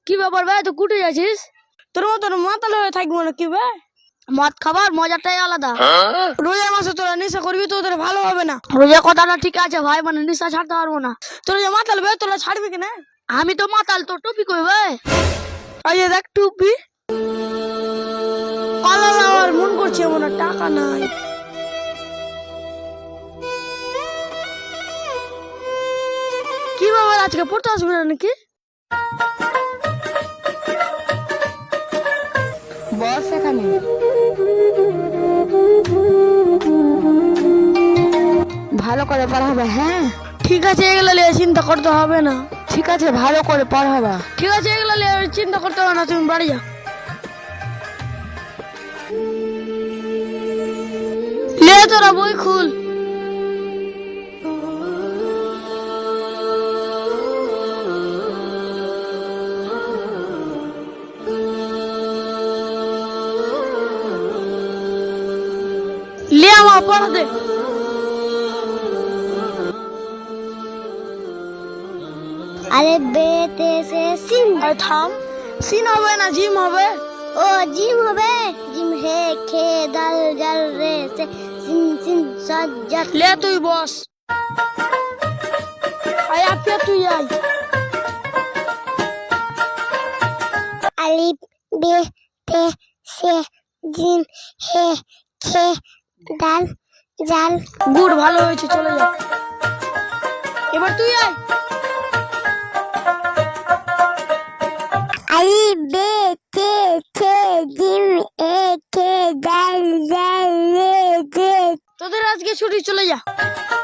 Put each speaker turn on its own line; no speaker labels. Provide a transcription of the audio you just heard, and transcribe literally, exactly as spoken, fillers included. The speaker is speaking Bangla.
কি ব্যাপার ভাই, তুই কুটে যাচ্ছিস?
তোর মতন মাতাল হয়ে থাকবো না কি ভাই?
মদ খাবার মজাটাই আলাদা।
রোজা মাসে তোরা নেশা করবি তো তোদের ভালো হবে না।
রোজা কথাটা ঠিক আছে ভাই, মানে নিশা ছাড়তে পারবো না।
তোরা যে মাতাল ভাই তোরা ছাড়বি কিনা?
আমি তো মাতাল, তো টুপি কই ভাই?
এই যে দেখ টুপি। পালা লাওয়ার মন করছে মনে টাকা নাই। কি বাবা আজকে পড়তে আসবে না নাকি?
বস এখানে। ভালো করে পড়াবে। হ্যাঁ
ঠিক আছে, এগুলো নিয়ে চিন্তা করতে হবে না।
ঠিক আছে, ভালো করে পড়াবা।
ঠিক আছে, এগুলো নিয়ে চিন্তা করতে হবে না, তুমি বাড়ি যাও। লে তোরা বই খুল। লে আমার পড়া দে।
আরে বেতে সে সিম।
আরে থাম, সিন হবে না জিম হবে।
ও জিম হবে। জিম হে খে দাল জাল রে সে সিন সিন সজ্জত।
লে তুই বস। আয় আপে তুই আয়।
আলিফ বে তে সে জিম হে খে দাল জাল।
গুড, ভালো হয়েছে, চলে যা। এবার তুই আয়।
আলিফ বে তে সে জিম হে খে দাল জাল রে সে।
তোদের আজকে ছুটি, চলে যা।